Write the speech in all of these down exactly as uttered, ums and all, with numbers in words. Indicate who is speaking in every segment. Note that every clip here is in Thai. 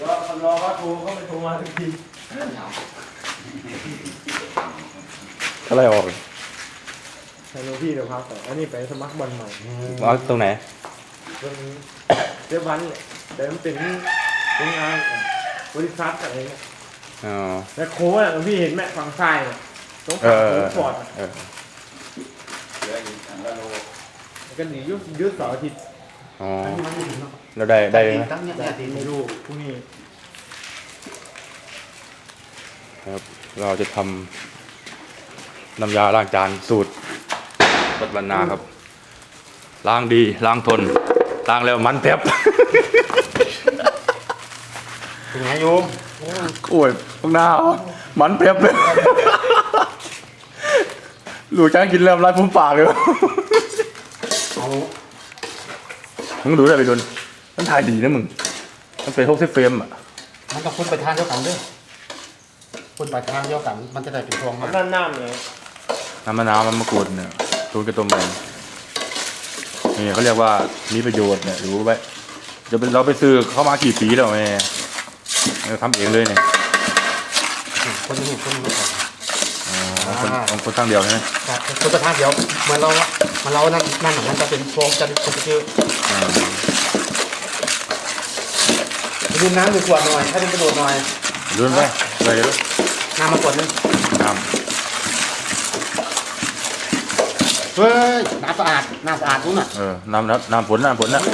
Speaker 1: รอรอว่าโทรเขาไม่โทรมาทุกที
Speaker 2: อะไรออก
Speaker 1: ฮัลโหลพี่เดี๋ยวพักก่อนอันนี้ไปสมัครบอลใหม่
Speaker 2: เอาตรงไหน
Speaker 1: ตรงเจ้าพันเนี่ยแต่มันเป็นเป็นงานบริษัทอะไรเงี้ย
Speaker 2: อ๋อ
Speaker 1: แล้วโค้ดอ่ะพี่เห็นแม่ฝั่งซ้ายเนี่ยตรงฝั่งโค้ดฟอร์ด
Speaker 2: เออ
Speaker 1: เหลืออีกอันละโลกันหนียุดยุดเสาร์อาทิตย์
Speaker 2: อ๋อเราได้ได้ไหม
Speaker 1: ได้ไม่รู้พรุ่งนี้
Speaker 2: ครับเราจะทำน้ำยาล้างจานสูตรปัตตนาครับล้างดีล้างทนล้างแล้วมันเต็บ
Speaker 1: เป็นไงโยม
Speaker 2: โอ้ยข้างหน้ามันเต็บเลยหลูกจ้างกินเริ่มไล่พุ่มปากเลยมึงดูได้ไปโดนมันถ่ายดีนะมึงมันเป็นหกสิบเฟรมอ่ะ
Speaker 3: มันต้องพ่นไปทางเดียวกันด้วยพ่นไปทางเดียวกันมันจะได้เป็นฟองมา
Speaker 1: น้ำน้ำเลย
Speaker 2: น้ำมะนาวมันมะกรูดเนี่ยตูนกระต้มแดงนี่เขาเรียกว่ามีประโยชน์เนี่ยรู้ไว้จะเป็นเราไปซื้อเข้ามากี่ปีแล้วแม่เราทำเองเลยเนี่ย
Speaker 3: คนนี้คนนี้ก่อน
Speaker 2: อ๋อคนคนตั้งเดียวใช่ไหม
Speaker 3: ครับคนกระทะเดียวเหมือนเรามันเรานั่นนั่นมันจะเป็นฟองจะจะคือดื่มน้ำหนึ่งขวดหน่อยให้เป็นกระโดดหน่อย
Speaker 2: ดื่มไปไปเลย
Speaker 3: น้ำมาขวดนึง
Speaker 2: น้ำ
Speaker 3: เฮ้ยน้ำสะอาดน้ำสะอาดรู้น่ะ
Speaker 2: เออน้ำน้ำน้ำฝนน้ำฝนนะ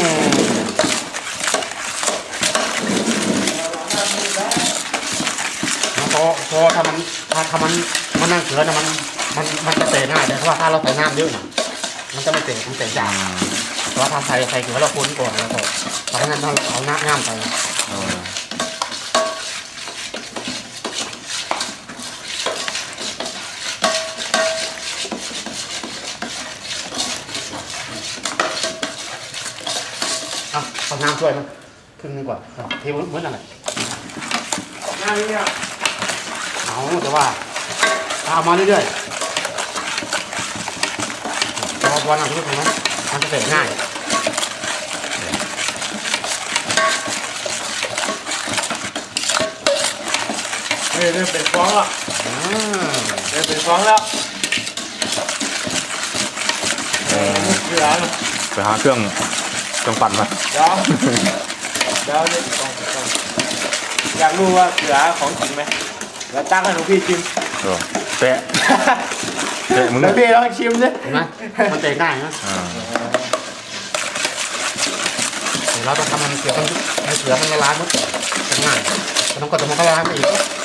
Speaker 3: พอพอถ้ามันถ้าถ้ามันมันนั่งเกลือนะมันมันมันจะเตะง่ายเลยเพราะว่าถ้าเราใส่น้ำเยอะมันจะไม่เตะมันเตะจางเพราะถ้าใส่ใส่เกลือเราคนก่อนแล้วก็เพราะฉะนั้นเราเอาน้ำน้ำไปเอาน้ำช่วยมั้ยครึ่งนึงก่อนเทเหมือนอะไร
Speaker 1: น้ำนี่อ่ะ
Speaker 3: เอาแต่ว่าเอามาเรื่อยๆพอวันอาทิตย์นะมันจะเสร็จง่าย
Speaker 1: เฮ้ยเริ่มเป็นฟองแล้วเริ่มเป็นฟองแล้วเหลือ
Speaker 2: ไปหาเครื่องเครื่องปั่นมา
Speaker 1: เดี๋ยวเดี๋ยวเดี๋ยวอยากรู้ว่าเหลือของจริงไหมแล้วตั้งให้หนูพี่ชิม
Speaker 2: แปะแปะมึง
Speaker 1: แล้วพี่ลองชิมดิ
Speaker 3: เห็นไหมมันเตะง่ายนะเราต้องทำมันเสือมันให้เสือมันละลายมั้งง่ายแต่ต้องกดมันก็ละลายมาอีก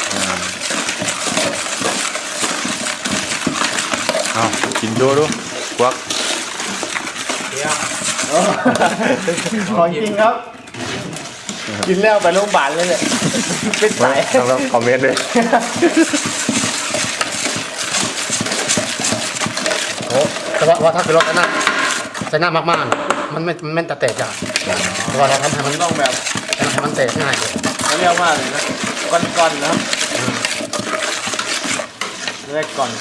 Speaker 2: เอากินดูดูควัก
Speaker 1: ของจริงครับกินแล้วไปโรงพยาบาลเลยเนี่ยเป็นสาย
Speaker 2: ต้องคอมเมนต์เลย
Speaker 3: โอ้แต่ว่าถ้าเป็นรถนั่นใส่หน้ามากๆมันไม่มันไม่จะเตะจ้ะแต่ว่าเราทำให้มัน
Speaker 1: ต้องแบบ
Speaker 3: ให้มันเตะง่ายเลย
Speaker 1: เขาเรียกว่าอะไรนะก้อนๆนะครับเรียกก่อน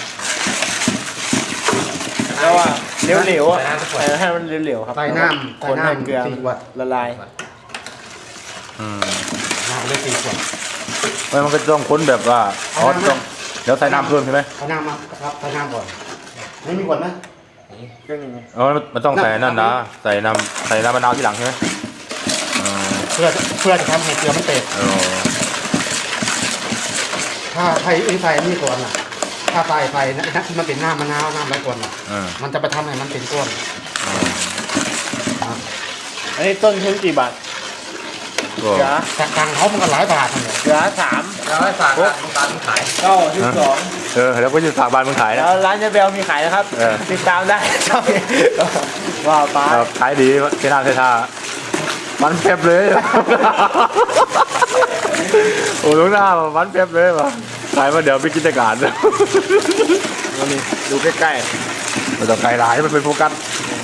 Speaker 1: แล้วว่าเหลวๆอ่ะให้มันเหลวๆครับ
Speaker 3: ใส่น้ำ
Speaker 1: คนให้เกลือละลาย
Speaker 2: อืม
Speaker 3: น้ำเลยสี่ขวด
Speaker 2: ไม่มันก็ต้องค้นแบบว่าอ๋อต้องเดี๋ยวใส่น้ำเพิ่มใช่ไหม
Speaker 3: ใส่น้ำมาครับใส่น้ำก่อนไม่มีขวดไหม
Speaker 2: อ๋อมันต้องใส่นั่นนะใส่น้ำใส่น้ำมะนาวที่หลังใช่ไหม
Speaker 3: เพื่อเพื่อจะทำให้เกลือมันเตะถ้าใส่ใส่นี่ก่อนอ่ะถ้าใส่ใส่นะมันเป็นน้ำมะนาวน้ำอะไรก่อนอ่ะมันจะไปทำให้มันเป็นก้อน
Speaker 1: อันนี้ต้นทุนกี่บาท
Speaker 2: เหลือ
Speaker 3: จากทางเขามันก็หลายบาทเลย
Speaker 1: เหลือสาม
Speaker 3: ร้อยสามบาทขาย
Speaker 1: เก้าสิบสอง
Speaker 2: เออแล้วก็จะสามบาทมึงขายนะ
Speaker 1: แล้วร้านเจเบลมีขายนะครับติดตามได้ว่าป้า
Speaker 2: ขายดีเทน่าเทท่ามันเพ็บเลยโอ้ลูกหน้ามันเพ็บเลยว่ะขายมาเดี๋ยวไปกิจการเลย
Speaker 1: นี่ดูใกล้
Speaker 2: ๆมันต้องไกลหลายมันเป็นโฟกัส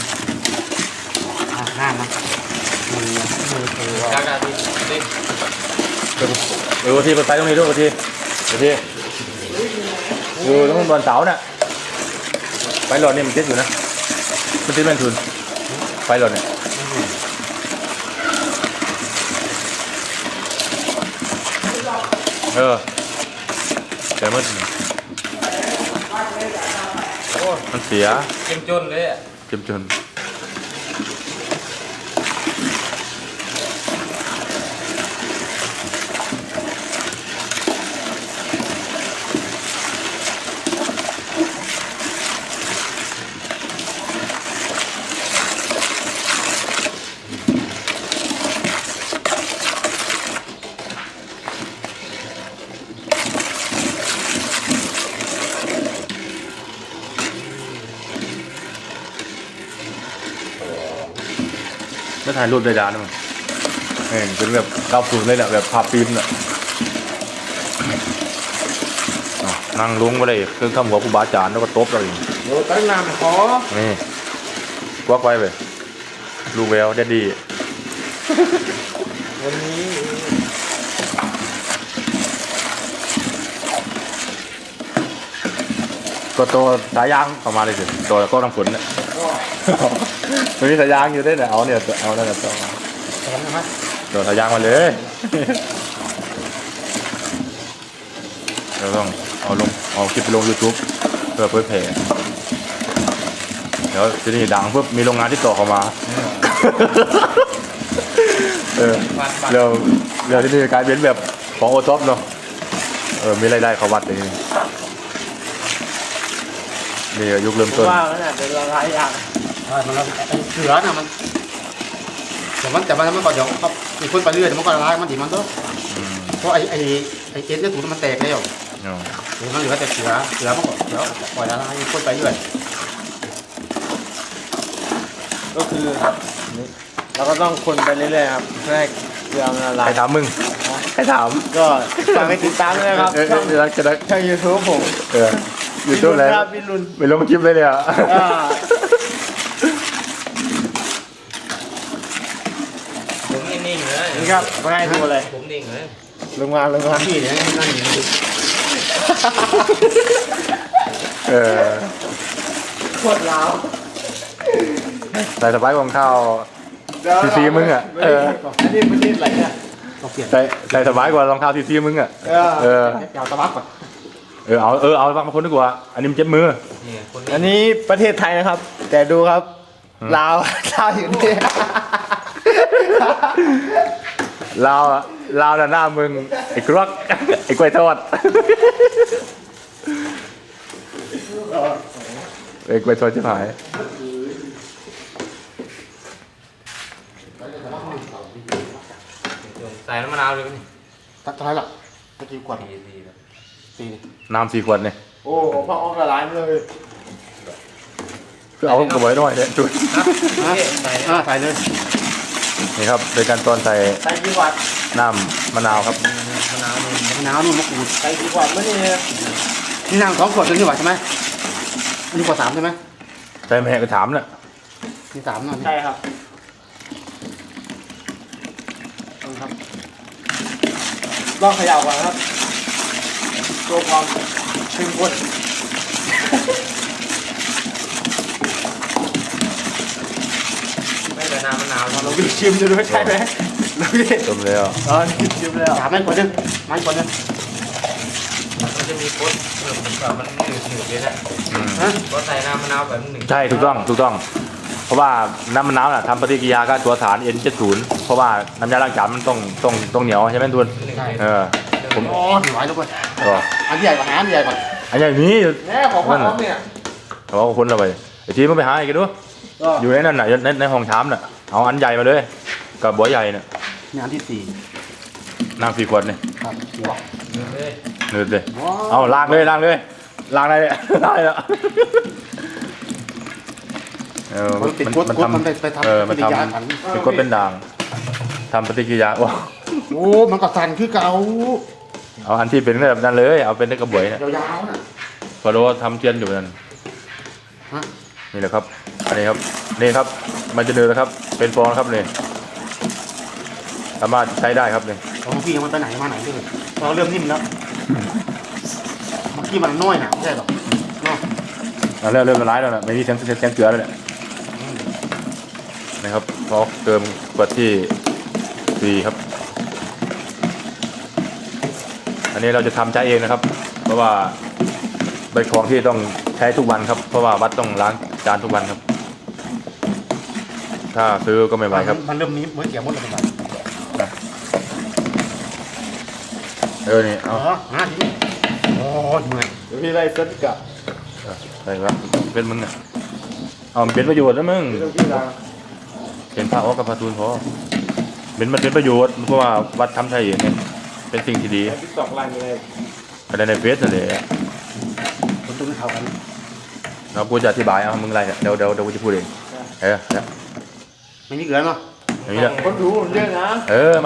Speaker 3: หน้ามันมือมือคือการการที่นี่
Speaker 2: ดูทีเปิดไฟตรงนี้ดูทีดูทีดูตรงบนเสาเนี่ยไฟหลอดนี่มันติดอยู่นะมันติดแม่นทุนไฟหลอดเนี่ยเออแต่มัน
Speaker 1: โอ้
Speaker 2: มันเสีย
Speaker 1: เจ็มจนเลยอ่ะ
Speaker 2: เจ็บจนแล้วถ่ายรูปได้ดานมั้งเห็นเป็นแบบเก้าศูนย์เลยแหละแบบภาพฟิล์มน่ะอ้าวนั่งลุงมาเลยเครื่องทำหัวครูบาอาจารย์แล้วก็ตบเราอีก
Speaker 1: โอ้ตั้งนานขอ
Speaker 2: นี่กวักไว้ไปลูกแววแดดดี้
Speaker 1: วันนี้
Speaker 2: ก็ตัวสายยางเข้ามาเลยสิตัวก็น้ำฝนเนี่ย มันมีสายยางอยู่ด้วยเนี่ยเอาเนี่ยเอาเนี่ยตัว
Speaker 3: แข็งนะครับ
Speaker 2: ตัวสายยางมาเลยเราต้องเอาลงเอาคลิปไปลง YouTube เพื่อเผยแผ่เดี๋ยวทีนี้ดังปุ๊บมีโรงงานที่ต่อเข้ามาเออเดี๋ยวเดี๋ยวที่นี่กลายเป็นแบบของโอท็อปเนาะเออมีรายได้เขาวัดอย่างนี้นี่ยุคเริ่ม
Speaker 1: ผม
Speaker 2: ต้น
Speaker 1: ว่าแล้วเนี่ยเป็นละลายอย่าง
Speaker 3: ใช่มันแล้วไอ้เสือน่ะมันแต่มันแต่มันมันก็เดี๋ยวเขามีคนไปเรื่อยแต่มันก็ละลายมันดีมันก็
Speaker 2: อืม
Speaker 3: เพราะไอ้ไอ้ไอ้เอ็นเนี่ยถูกมันแตกแล้ว
Speaker 2: เนาะ
Speaker 3: เดี๋ยวมันเหลือแต่เสือเสือมันก็เดี๋ยวปล่อยละลายคนไปเรื่อย
Speaker 1: ก็คือเราก็ต้องคนไปเรื่อยๆครับเพื่อให้เกลือมันละลา
Speaker 2: ใคร
Speaker 1: ย
Speaker 2: ถามมึงใครถาม
Speaker 1: ก็ฝากไปติดตามด้วยนะครับ
Speaker 2: เออเอ
Speaker 1: ช่
Speaker 2: อ
Speaker 1: อง
Speaker 2: เออจะได้
Speaker 1: ช่องยูทูบผม
Speaker 2: เออยูทูบแล้ว
Speaker 1: ครับพี่รุน
Speaker 2: ไปลงคลิปเลยเนี่ย
Speaker 1: อ่า
Speaker 4: ผมนิ่งๆเลย
Speaker 1: นี่ครับมาให้ดูเลย
Speaker 4: ผมนิ่งเลย
Speaker 1: ลงมาลงมา
Speaker 3: พี่เนี่ยนั่งอยู่นี่
Speaker 2: เออ
Speaker 1: โคตรลาว
Speaker 2: ใส่สบายของข้าว ซีซีมึงอะเออ
Speaker 1: อันนี้ประเทศอะไรเนี่ย
Speaker 3: ต้องเปลี่ยน
Speaker 2: ใส่ใส่สบายกว่ารองเท้าซีซีมึงอ่ะ
Speaker 1: เออ
Speaker 2: เออ
Speaker 3: ยาวตะบักก่อน
Speaker 2: เออเอาเออเอาบางคนดีกว่า อันนี้มันเจ็บมือ
Speaker 4: นี่คน
Speaker 1: อั
Speaker 4: นี้
Speaker 1: นนี้ประเทศไทยนะครับ แต่ดูครับ
Speaker 2: อืม
Speaker 1: ลาว ลาวอยู่นี่
Speaker 2: ลาวอะลาวน่ะหน้ามึงไอ้กรอกไอ้กล้วยทอดไอ้กล้วยทอดชิบหาย
Speaker 4: ใส่น้ำมะนาวเลยนี่
Speaker 3: ตัดเท่าไหร่ล่ะตะกี้กวด
Speaker 4: ดีดีแล้ว
Speaker 3: ตีนี่
Speaker 2: น้ำสี่ขวดเนี่ย
Speaker 1: โอ้พ่อออกละลายมาเลย
Speaker 2: คือเอากระบอกหน่อยเนี่ยจุด
Speaker 4: นะใส่
Speaker 3: อ่าใส่เลย
Speaker 2: นี่ครับโดยการตอนใส่
Speaker 1: ใส่กี่วัตต์
Speaker 2: น้ำมะนาวครับ
Speaker 4: มะนาวนี่
Speaker 3: มะนาวนู่นมะกรูด
Speaker 1: ใส่กี่วัตต์มื่อนี่
Speaker 3: นี่นางสองขวดตัวนี้หว่าใช่ไหมอันนี้ขวดสามใช่ไหม
Speaker 2: ใส่แม่ก็ถามน่ะ
Speaker 3: นี่สามนั่น
Speaker 1: ใช่ครับเอาครับลองเขย่าก่อนครับตัวความเข้มข้น
Speaker 4: ไม่แต่น้ำมะนาว
Speaker 1: เราพี่ชิมดูด้วยใช่ไหมเราพี่
Speaker 2: ต้มแล้ว
Speaker 1: อ๋อนี่ชิมแล้ว
Speaker 3: สามไม่ขวดนึงไม่ขวดนึง
Speaker 4: มันจะมีโคตรเออผมแบบมันหนืดหนืดเลยนะ
Speaker 2: อืม
Speaker 3: ฮะ
Speaker 4: ก็ใส่น้ำมะนาวแบบหนึ่ง
Speaker 2: ใช่ถูกต้องถูกต้อง เพราะว่าน้ำมะนาวน่ะทำปฏิกิริยากับตัวสาร เอ็น เจ็ดสิบ เพราะว่าน้ำยาล้างจานมันต้องต้องต้องเหนียวใช่ไหมทุน
Speaker 4: หนึ่ง
Speaker 2: เออผม
Speaker 3: อ๋อถือไว้แล้วก่อน
Speaker 2: ก็
Speaker 3: อันที่ใหญ่กว่าหาอันที่ใหญ่กว่า
Speaker 2: อันอย่างนี้
Speaker 1: แม่ของพ่อออฟเนี่ย
Speaker 2: เขาบอกคนเราไปไอ้ทีมันไปหาอีกดู
Speaker 1: ก็
Speaker 2: อยู่ในนั้นน่ะในในห้องชามน่ะเอาอันใหญ่มาเลยกับบัวใหญ่น่ะ
Speaker 3: นี่อันที่สี่
Speaker 2: น้ำสี่ขวดนี่
Speaker 3: ครับ
Speaker 4: เลย
Speaker 2: เนืดเลยเอาล้างเลยล้างเลยล้างได้เลยได้แล้วเออ
Speaker 3: มันติดกดกดมันไปไปทำ
Speaker 2: เออมัน
Speaker 3: ปฏิกิริยากัน
Speaker 2: ทำเป็นกดเป็นด่างทำปฏิกิริยาโอ้
Speaker 3: โอ้มันก็สั่นคือเก่า
Speaker 2: เอาอันที่เป็นแบบนั้นเลยเอาเป็นกระบวยน่ะ
Speaker 3: ยาวๆน่ะ
Speaker 2: พอรู้ว่าทำเทียนอยู่นั่น
Speaker 3: ฮะ
Speaker 2: นี่แหละครับ อันนี้ครับ นี่ครับ มันจะเนืดแล้วครับ เป็นฟองครับนี่สามารถใช้ได้ครับนี่
Speaker 3: ของพี่มันไปไหนมาไหนด้วยเราเริ่มนิ่มแล้วเมื่อกี้มันน้อยหนาไม่ใช่หรอเนาะ
Speaker 2: เอาเริ่มเริ่มละลายแล้วนะไม่มีเสียงเสียงเสียงเกลือแล้วเนี่ยนะครับพอเติมขวดที่สี่ครับใส่อันนี้เราจะทำใช้เองนะครับ เพราะว่าเป็นของที่ต้องใช้ทุกวันครับ เพราะว่าวัดต้องล้างจานทุกวันครับ ถ้าซื้อก็ไม่ไหวครับ
Speaker 3: มันเริ่มนี้เหมือนเกี่ยวมดเลยแบบ
Speaker 2: เออนี่
Speaker 3: อ๋
Speaker 2: เอา
Speaker 3: อหาทีโอ้ยเมื่อย
Speaker 1: เดี๋ยวพี่ไล่เซ็ตกลับ
Speaker 2: ใส่วะเป็นมึงอ่ะเอามันเป็นประโยชน์แล้วมึง
Speaker 1: พี่ต้องพี่ล้าง
Speaker 2: เป็นผ้าอ้อกับผ้าตูนพอเป็นมันเป็นประโยชน์เพราะว่าวัดทำใช้เองไงเป็นสิ่งที่ดี
Speaker 1: ไอ้พี่ตอกไล่ยังไง
Speaker 2: อะไรในเฟซนั่นแหละ
Speaker 3: คนตุ้นเขากัน
Speaker 2: เรากูจะอธิบายเอามึงอะไรเดี๋ยวเดี๋ยวเดี๋ยวกูจะพูดเองเออ
Speaker 3: ไม่มีเกลือเนาะ
Speaker 2: อย่างนี้แหละ
Speaker 1: คนรู้มันเยอะนะ
Speaker 2: เออ